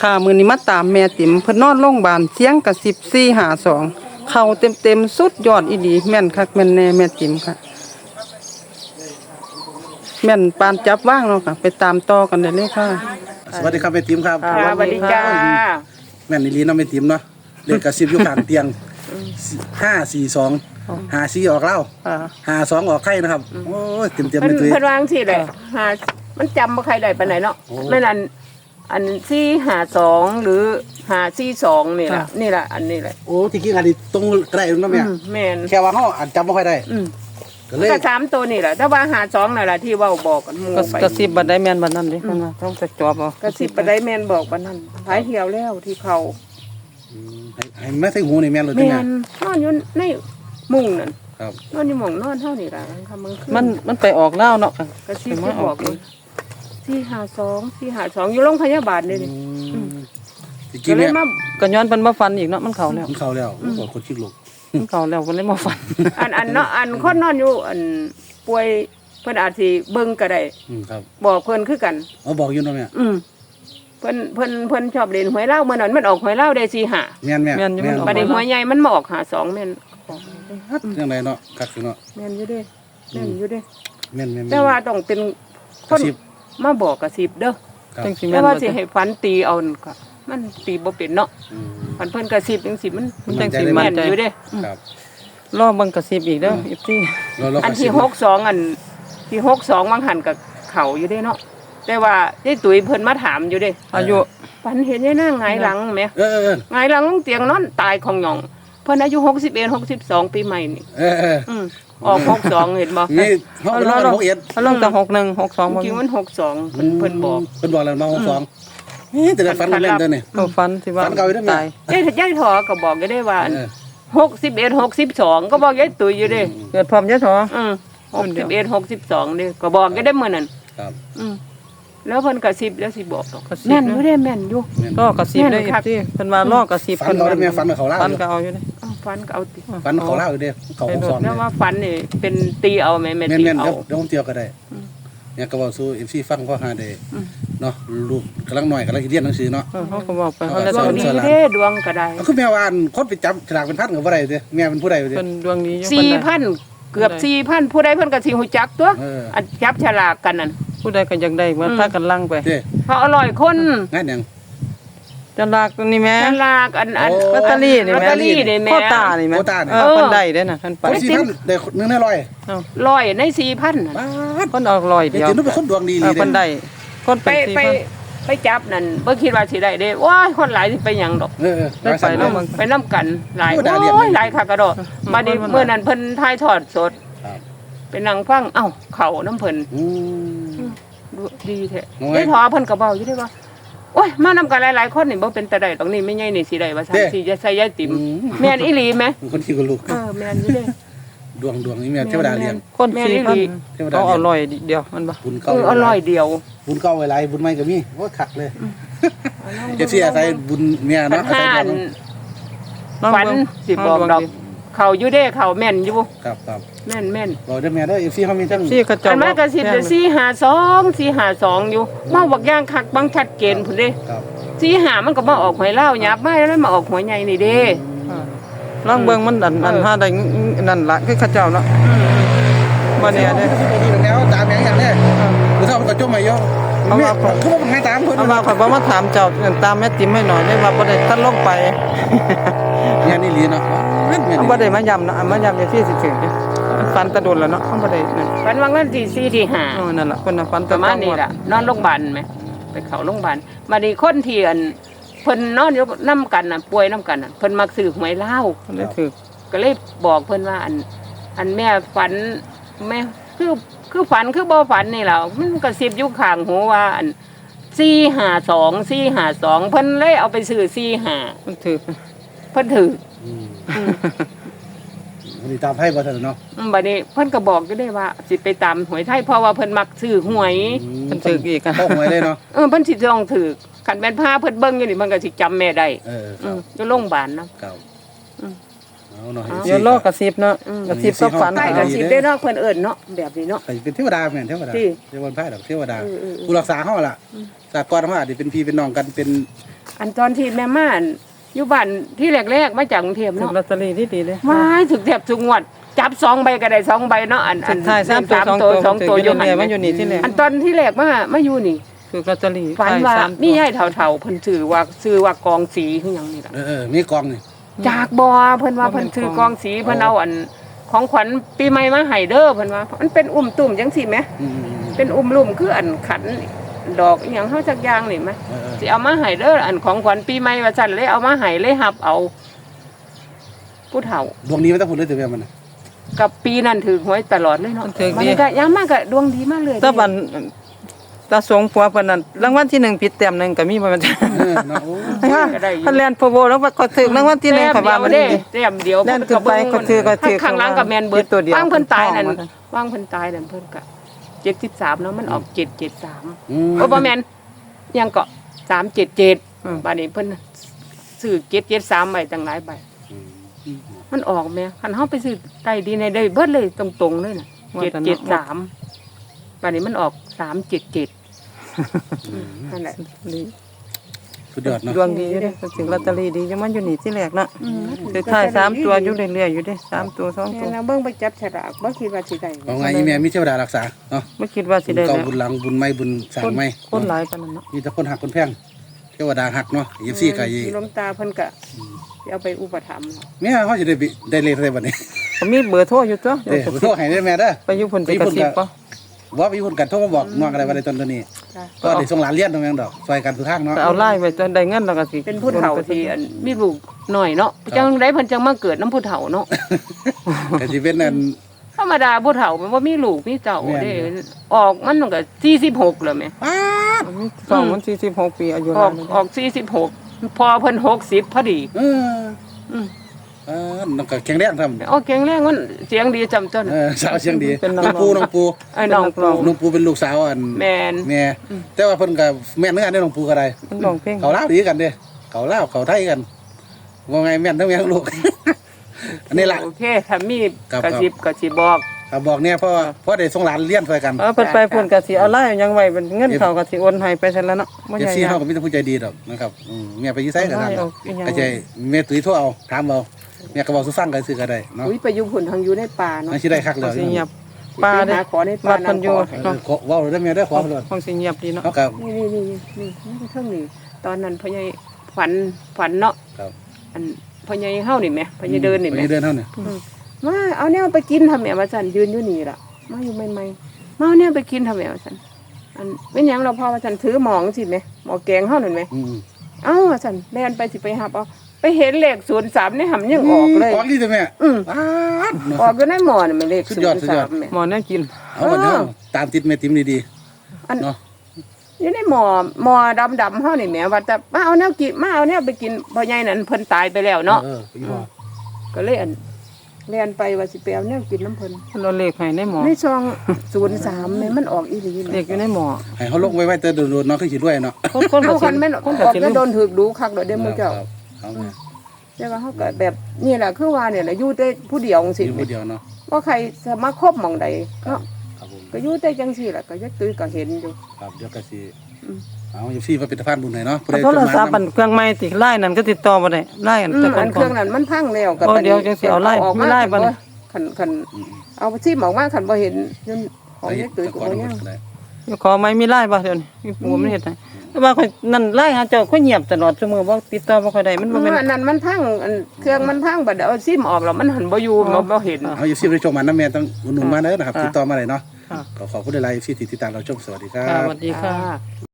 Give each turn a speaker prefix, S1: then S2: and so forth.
S1: ค่ะมื้อนี้มาตามแม่ติ๋มเพิ่นนอนโรงพยาบาลเสียงกระซิบ452เข้าเต็มๆสุดยอดอีหลีแม่นคักแม่นแน่แม่ติ๋มค่ะแม่นปานจับว่างเนาะค่ะไปตามต่อกันได้เลยค่ะ
S2: สวัสดีครับแม่ติ๋มครับ
S1: ค่ะ
S3: สวัสดีจ้า
S2: แม่นอีหลีเนาะแม่ติ๋มเนาะเลขกระซิบอยู่ข้างเตียง542 54ออกเล่า
S1: ค่ะ
S2: 52ออกไข่นะครับโอ้ยเต็ม
S3: เพิ่
S2: ไป
S3: น
S2: ตุ้ย
S3: เพิ่นวางสิแหละหามันจำบ่ใครได้ปานไหนเนาะ
S2: โอ้
S3: แม่นอัน452หรือ542นี่ล่ะนี่ล่ะอันนี้แหละ
S2: โอ้ที่กี้อันนี้ตรงกระไรเนาะแม่
S3: แม่น
S2: แค่ว่าเฮาอาจจำบ่ค่อยได้ก็เลย
S3: ก็3ตัวนี่แหละแต่ว่า52นั่นล่ะที่เว้าบอกกันหมู่ไป
S1: กระซิบบัดได้แม่นบัดนั้นเด้เพิ่นว่าต้องจะจอบเอา
S3: กระซิบไปได้แม่นบอกบัดนั้นหายเหี่ยวแล้วที่เขา
S2: ให้แม่ใส่หูนี่แม่นเลย
S3: แม่
S2: ที่แม่
S3: นนอนอยู่ในมุ้งนั่น
S2: ครับ
S3: นอนอยู่หม่องนอนเฮานี่ล่ะค่ำมื้อคืน
S1: มันไปออกลาวเนาะค่ะ
S3: กระซิบที่บอกเลย452อยู่โรงพยาบาลนี่นี่
S2: ที่
S3: ก็
S2: กี้
S3: เล
S2: แม่
S3: ยมา
S1: ก็ย้อนเพิ่นมาฟันอีกเนาะมันเข้าแล้ว
S2: มันเข้าแล้วบอกคนชิกลูก
S1: มันเข้าแล้วก็เลยมาฟัน
S3: อันเนาะอันคนนอนอยู่อันป่วยเพิ่นอาจสิเบิ่งก็ได้
S2: ครับ
S3: บอกเพิ่นคือกัน
S2: เอาบอกอยู่เนาะแม่
S3: เพิ่นชอบเล่นหวยเล่าเมื่อนั้นมันออกหวยเล่าได้4 5
S2: แม่นแม่
S1: แม่นอยู่มันออก
S3: บัดนี้หวยใหญ่มันมาออก52แม่น
S2: จังไดเนาะคักอยู่เนาะ
S3: แม่นอยู่เด้แม่นอยู่เด้
S2: แม่น
S3: แต่ว่าต้องเป็นค
S2: กระ
S3: น
S2: ซิบ
S3: มาบอกกระซิบเด้อ
S2: ครับ
S1: จังสิ
S3: แต่
S1: แม่น
S3: ว่า
S1: บ่
S3: สิ
S1: จ้ะ
S3: ให้ฝันตีเอานั่นก็มันตีบ่เป็นเนาะ
S2: อืม
S3: ฝันเพิ่นกระซิบจังสิมัน
S1: มันจังสิ
S3: แม่
S1: มั่น
S3: น
S1: ใจ
S3: อยู่เด้
S2: ครับ
S1: รอเบิ่งกระซิบอีกเด้อFT
S2: เรา
S3: อันที่62อันที่62บางหันกับเขาอยู่เด้เนาะแต่ว่ายายตุ๋ยเพิ่นมาถามอยู่เด้
S1: อายุ
S3: ฝันเห็นยายนางหงายหลังแหม
S2: เออ
S3: หงายหลังเตียงนอนตายของหยองเพิ่นอายุ61 62ปีใหม่นี่
S2: เออ
S3: ออก62เห็นบ่
S2: นี่เขาเป็นร้อยหกเอ็ด
S1: เขาลงแต่61 62บ่
S3: จริงๆมัน62เพิ่นบอก
S2: เพิ่นบอกแล้วมา62นี่แต่ฟันเล่นเด้อนี่
S1: เขาฟันสิว่า
S2: ฟันเก่าอยู่เด้อแม่
S1: ตาย
S3: ยายถอก็บอกอยู่ได้ว่า
S2: เออ
S3: 61 62ก็บอกยายตุ๋ยอยู่เด้
S1: เกิดพร้อมยะถอ
S3: 61 62นี่ก็บอกอยู่ได้มื้อนั้น
S2: ครับ
S3: แล้วเพิ่นกระซิบแล้วสิบอกดอก
S1: กระซิบ
S3: แม่นอยู่เด้แม่นอยู่
S1: รอกระซิบได้
S3: แม่นคัก
S1: FT เพิ่นว่ารอกระซิบ
S2: ฟันเขาได้แม่ฟันเขาเล่า
S1: ฟันก็เอาอยู่เด้
S3: อ้าวฝันก็เอาติ
S2: ฟันเขาเล่าอยู่เด้เขา62
S3: แล้วว่าฝันนี่เป็นตีเอาแม่แม่
S2: แม่
S3: ตี
S2: นๆ
S3: เอา
S2: เดี๋ยวผมเที่ยวก็ได้เนี่ยก็บอกสู้ FC ฟังเขาหาได้เนาะลูกกำลังหน่อยกำลังเรียนหนังสือเนาะ
S1: เขาก็บอกไปเขาแล้ว
S3: ดวง
S1: แต่
S3: ดีเด้ดวงก็ได้
S2: คือแม่ว่าคนไปจับฉลากเป็นพันก็บ่ได้เด้แม่เป็นผู้ใดเด้
S1: เพิ่นดวงดีอยู่เพิ่นได้
S3: 4,000เกือบ 4,000ผู้ใดเพิ่นก็สิฮู้จักตัว อันจับฉลากกันนั่น
S1: ผู้ใดก็อยากได้เหมือนพากันลังไป
S2: เด้
S3: เพราะอร่อยคน
S2: งานหยัง
S1: จะลากตัวนี้แม่
S3: ฉลากอัน
S2: โอ้
S1: ลอตเตอรี่นี่
S3: ลอต
S1: แม่
S3: เตอรี่นี่แม่
S1: โคตานี่แม่
S2: โควต้านี่
S1: เพิ่นได้เด้น่ะเพิ่นไป
S2: คน4,000ได้1ใน100
S3: ร้อยใน4,000น่ะ
S2: บาท
S1: เพิ่นเอาร้อย
S2: เดี๋
S1: เดี
S2: ย
S1: ยว ว
S2: จะนึกเป็นคนดวงดี
S1: เออ
S2: เด้
S1: เพิ่นได้คน
S3: ไป
S1: เป็น
S3: ไปจับนั่นบ่คิดว่าสิได้เด้ว้ายคนหลายสิไปหยังดอก
S1: ได้ไปแล้วมึง
S3: ไปนํกันหลาย
S2: โอ้ด่าเรียน
S3: โอ้ยหลายคักกระดอกมาดิมื้อนั้นเพิ่นถ่ายทอดสด
S2: ครับ
S3: ไปนั่งฟังเอ้าเข้าน้ำเพิ่น
S2: อืม
S3: ดีแท้
S2: โอ้ย
S3: ได้ทอเพิ่นก็เว้าอยู่ได้ว่าโอ้ยมานำกันหลายๆคนนี่บ่เป็นตาได้ตรงนี้ไม่ใหญ่นี่สิได้ว่าซั่นสิจะใส่ยายติ๋มแม่นอีหลีไหม
S2: คนที่กับลูก
S3: แม่นอยู่เด้
S2: ดวงนี่แม่เทวดาเลี้ยง
S1: คน
S3: แม่นอีหลี
S1: 4,000
S2: เทวดา
S1: เขาเอา
S2: เลี้ยง
S1: ร้อยเดียวมันบ่
S2: บุญเก่า
S3: อร่อยเดียว
S2: บุญเก่าไว้หลายบุญใหม่ก็มีโอ้คักเลยเอฟซีอาศัยบุญเมีย
S3: ปัญ
S2: เนาะอาศั
S3: หาย
S2: ดวง
S3: ฝันสิบอกดอกเขาอยู่เด้เขาแม่นอยู่
S2: ครับ
S3: แม่น
S2: บอกได้แม่เด้อเอฟซีเขามีทั้ง
S1: ซี่กระจ
S3: อั
S1: ก
S3: นมากระสิบ452อยู่มาบักย่างคักบังชัดเจนพุ่นเด้
S2: ครับ
S3: 45มันก็มาออกหวยเล่าหยับมาแล้วมาออกหวยใหญ่นี่เด้
S1: ลองเบิ่งมันอันหาได้นั่นล่ะคือเขาเจ้าเนาะบ่แน่เด้
S2: ดีแล้วตามอย่างนี้หรือถ้ามันก็จมมาเยอะคือว่ามันให้ตามเพิ่น
S1: เอามาข่อยบ่มาถามเจ้าตามแม่ติ๋มให้หน่อยได้ว่าบ่ได้ทันลงไป
S2: เนี่ยนี่ลีเนาะ
S1: เอาบ่ได้มาย้ำเนาะมาย้ำในที่สิถึงมันฝันตะโดนแล้วเนาะมันบ่ได้นั่น
S3: ฝันว่างั้นที่4ที่5
S1: นั่นล่ะเพิ่นน่ะฝัน
S3: ป
S1: ตะ
S3: ระมาณนี้ล่ะนอนโรงพยาบาลไหมไปเข้าโรงพยาบาลมาดีคนที่อันเพิ่นนอนอยู่นํกันน่ะป่วยนํกันน่ะเพิ่นมักซื้อหวยลาว
S1: เพิ่นได้ถูก
S3: ก็เลยบอกเพิ่นว่าอันแม่ฝันแม่คือฝันคือบ่ฝันนี่แหละมันกระซิบอยู่ข้างหูว่าอัน452เพิ่นเลยเอาไปซื้อ45
S1: มันถูก
S3: เพิ่นถือ
S2: นี่ตามให้บ่ทันเนาะ
S3: บัดนี้เพิ่นก็บอกอยู่ได้ว่าสิไปตามหวยไทยเพราะว่าเพิ่นมักซื้อหวย
S1: มันถูกอีกอ่ะ
S2: เข้าหวยเลยเนาะ
S3: เพิ่นสิต้องถือคันแม่นพาเพิ่นเบิ่งอยู่นี่มันก็สิจำแม่ได้ อยู่โรงพยาบาลเนาะ
S2: ครับเอาเนาะ
S1: เดี๋ยวรอกระซิบเนาะกระซิบก็ฝัน
S3: ใกล้กันสิได้เนาะเพิ่นเอิ้นเนาะแบบนี้เนาะ
S2: เป็นเทวดาแม่นเทวดา
S3: ที่
S2: เทวดาพายดอกเทวดา
S3: เออ
S2: ผู้รักษาเฮาล่ะสากลเฮาอาจจะเป็นพี่เป็นน้องกันเป็น
S3: อันตอนที่แม่ม่านอยู่บ้านที่แรกๆมาจากกรุงเทพ
S1: ถึง
S3: เนาะ
S1: ลอตเตอรี่ที่ดีเลย
S3: ว้ายถึกแทบทุกงวดจับ2ใบก็ได้2ใบเนาะอัน
S1: สุดท้าย3 ตัว2
S3: ตัวอยู่
S1: เนี่ยมันอยู่นี่ที่แรก
S3: อันตอนที่แรกมาอยู่นี่
S1: ถึงลอตเตอรี่
S3: ฝันว่า
S1: ท้ย3
S3: มียายเฒ่าๆเพิ่นชื่อว่ากองสีคือหยังนี่ล่ะ
S2: มีกองนี่
S3: จากบ่เพิ่นว่าเพิ่นซื้อกองสีเพิ่นเอาอันของขวัญปีใหม่มาให้เด้อเพิ่นว่ามันเป็นอุ้มตุ่มจังซี่แหม
S2: อืม
S3: เป็นอุ้มลุ่มคืออันขันดอกอหยังเฮาจักอย่างนี่แหม
S2: ๆ
S3: สิเอามาให้เด้ออันของขวัญปีใหม่ว่าซั่นเลยเอามาให้เลยรับเอาผู้เฒ่า
S2: ดวงนี้ไม่ต้องพูดเลยแต่แม่มันน่ะ
S3: กับปีนั้นถือหวยตลอดเลยเนาะ
S1: ถือ
S3: มั
S1: ดี
S3: นก็ยังมากก็ดวงดีมากเลย
S1: ตะบันตาสงผัวเพิ่นนั่นรางวัลที่1ผิดแต้มหนึงก็มีบ่แม่น
S2: เนาะโอ้
S3: ก็ได้อยู่
S1: คันแล่นโพโบแล้วว่าก็ถึงรางวัลที่1
S3: แต้
S1: ค่ะ
S3: ม
S1: ว่ามัน
S3: เดี
S1: ดี
S3: ยวแต้มเดียว
S1: แล่นขึ้นไปก็ถือ
S3: ข้างหลังกับแมนเบิด
S1: ตัวเดียว
S3: ว่างเพิ่นตายนั่น
S1: เพิ่น
S3: ว่างเพิ่นตายนั่นเพิ่นก็73เนาะมันออก773
S2: อืม
S3: โอ้บ่แม่นยังก็377
S1: อืม
S3: บัดนี้เพิ่นซื้อ773ใบตั้งหลายใบ มันออกแม่คันเฮาไปซื้อใต้ดินในได้เบิดเลยตรงๆเลยน่ะ773บัดนี้มันออก377นั่นแหละ
S2: สุดยอดเนาะ
S1: ดวงดีอยู่เด้ถึงลอตเตอรี่ดีอยู่มันอยู่นี่ที่แรกเนาะสุดท้าย3ตัวอยู่เรื่อยๆอยู่เด้3ตัว2ตัว
S3: แม่นะเบิ่งไปจับฉลากบ่คิดว่าสิได้
S2: เอาไงอีแม่มีเทวดารักษาเนาะ
S1: บ่คิดว่าสิได้
S2: เก่า
S1: แล้ว
S2: บุญหลังบุญไม่บุญสร้างไม่
S1: คนหลายปานนั้นเนาะ
S2: มีแต่คนหักคนแพงเทวดาหักเนาะยีซี่กับยี
S3: หลวงตาเพิ่นก็สิเอาไปอุปถัมภ์
S2: แม่เขาจะได้เลขอะไรบัดนี้
S1: ก็มีเบอร์โทรอยู่ตัว
S2: เด้อโทรให้ได้แม่เด้อ
S1: ไปอยู่พุ่นไปกระซิบบ่
S2: ว่ามีคนกันโทรมาบอกน้องอะไรว่าในตอนนี้
S3: จ้ะ
S2: ก็ได้ส่งหลานเรียนตรงนั้นดอกซอยกันสุดทางเนาะ
S1: ก็เอาไล่ไว้จนได้เงินแล้วก็สิ
S3: เป็นผู้เฒ่าที่อันมีลูกน้อยเนาะจังได๋เพิ่นจังมาเกิดน้ำผู้เฒ่าเนาะ
S2: ก็สิเป็นนั่น
S3: ธรรมดาผู้เฒ่ามันบ่มีลูกมีเจ้า
S2: แม่น
S3: เด้ออกมันก็46แล้วแม่
S2: ป๊าด
S1: สองมัน46ปีอายุ
S3: อ
S1: นา
S3: อก
S1: นเลย
S3: ออก46พอเพิ่น60พอดี
S2: เออ
S3: อืม
S2: น้องก็แข็งแรงทำ
S3: โอ้เก่งแรงมันเสียงดีจำต้น
S2: สาวเชียงดีน้องปู
S3: ไอ้น้องปู
S2: น้องปูเป็นลูกสาวอัน
S3: แม่น
S2: แม่แต่ว่าเพิ่นก็แม่นเหมือนกันได้น้องปูก็ได้
S1: มันร้องเพลง
S2: เขาลาวดีกันเด้เขาลาวเขาไทยกันว่าไงแม่นทั้งแม่ทั้งลูก อันนี้ล่ะ
S3: โอเคถ้ามี
S2: ครับ
S3: กระซิบก็สิบอก
S2: ครับบอกเนี่ยเพราะว่าเพราะได้ส่งหลานเรียนซอยกัน
S1: เพิ่นไปพุ่นก็สิเอาไล่ยังไว้เป็นเงินเขาก็สิโอนให้ไปซั่นแล้วเนาะบ่
S2: เอ
S1: ให
S2: ฟ
S1: ญ่
S2: ซี
S1: ยา
S2: เฮาก็
S1: ก
S2: มีแต่ผู้ใจดีดอกนะครับแม่ไปอยู่ไสก็ได้
S1: เอาอีหยัง
S2: ก็ใจแม่ตุ้ยโทรเอาถามเอาแม่ก็บอกสู่ฟังก็ซื้อก็ได้เนาะ
S3: อุ้ยไปอยู่พุ่นทางอยู่ในป่าเนาะ
S2: นั่นสิได้คักแล้ว
S1: สิเงียบป้า
S3: ไป
S1: เด้
S3: หาขอในป่า
S1: วัดเพิ่นอยู่
S3: นั่งข
S2: เออเว้าได้แม่ได้อขอเพิ่น
S1: คงสิเงียบดีเนาะ
S2: เฮาก็
S3: นี่เครื่องนี้ตอนนั้นพ่อใหญ่ฝันเนาะ
S2: ครับ
S3: อันพ่อใหญ่เฮานี่แหมพ่อใหญ่เดินนี่แหม
S2: ไปเดินเฮาเนี่ย
S3: มาเอาแนวไปกินทำแหมว่าซั่นยืนอยู่นี่ล่ะมาอยู่ใหม่ๆมาเอาแนวไปกินทำแหมว่าซั่นอันเป็นหยังเราพอว่าซั่นถือหมองสิแหมหมอแกงเฮานั่นแหม
S2: อืม
S3: เอ้าว่าซั่นแล่นไปสิไปหับเอาไปเห็นเลข03ในหำยังออกเลย
S2: ออกดีจ้ะแม่
S3: อืม
S2: ป๊าดเนาะ
S3: ออกอยู่ในหมอนี่มันเลข
S2: สุดยอดสุดยอด
S3: 03แหม
S1: หมอแนวกิน
S2: เอาบัดนี้เฮาตามติดแม่ติ๋มดี
S3: อัน
S2: ๆเนาะ
S3: อยู่ในหมอดำๆเฮานี่แหมว่าแต่มาเอาแนวกินมาเอาแนวไปกินพ่อใหญ่นั่นเพิ่นตายไปแล้วเนาะ
S2: ไปอยู่บ่
S3: ก็เลยอันเรียนไปว่าสิไปเอาแนวกินน้ำเพิ่น
S1: เพิ่นเอาเลขให้ในหมอ
S3: ในซอง03นี่มันออกอีหลี
S1: เลขอยู่ในหมอ
S2: ให้เขาลงไว้แต่โดนๆเนาะคือสิรวยเนาะ
S1: คนก็
S3: เอา
S1: สิ
S3: คันแม่น
S1: คน
S3: อ
S1: ก็
S3: อก
S1: สิ
S3: แล้ว
S1: รู้
S3: โดนถูกดูคักเด้อมื้อเจ้า
S2: ครับเอาแม่
S3: แต่ว่าเฮาก็แบบนี่แหละคือว่าเนี่ยแหละอยู่แต่ผู้เดียวจัง
S2: อ
S3: ซี่
S2: ยู่คนเดียวเนาะ
S3: บ่ใครสามารถคบหม่องใดเนาะ
S2: ครับผม
S3: ก็อยู่แต่จังซี่ล่ะก็ยักตุ้ยก็เห็นอยู่
S2: ครับเดี๋ยวก็สิ
S3: อืม
S2: เอาอยู่ซี่มาเป็นสะพานบุญให้เนาะผู้ใด
S1: โทรศัพท์
S2: จ
S1: อันเครื่องใหม่ติไล่นั่นก็ติดต่อบ่ได้ไล่อันแต่ก่
S3: อันเครื่อง
S1: อน
S3: นั้นมันพังแล้วก็
S1: โอ้เดี๋ยวจังสิเอาไล่
S3: ออก
S1: มีไล่บ่
S3: คันเอาซิมออกมาคันบ่เห็นจนของยักตุ้ยก็บ่ยัง
S1: ขอไม้มีไล่บ่เดี๋ยวนี้มีปูมันเฮ็ดให้แต่ว่าข่อยนั่นไล่หาเจ้าข่อยเงียบตลอดซุมื้อบ่ติดต่อบ่ค่อยได้มันบ่แม่น
S3: อันนั้นมันพังอันเครื่องมันพังบัดเอาซิมออกแล้วมันหันบ่อยู่บ่เห็น
S2: เอาอยู่ซี่ไปชมมันนะแม่ต้องอุดหนุนมาเด้อนะครับ
S1: ค่ะ
S2: ติดต่อมาเลยเนาะ
S1: ค่ะ
S2: ขอขอบคุณหลายๆที่ติดตามเราชมสวัสดีครั
S1: ค่ะ
S2: บ
S1: สวัสดีค่ะ
S3: ค่ะ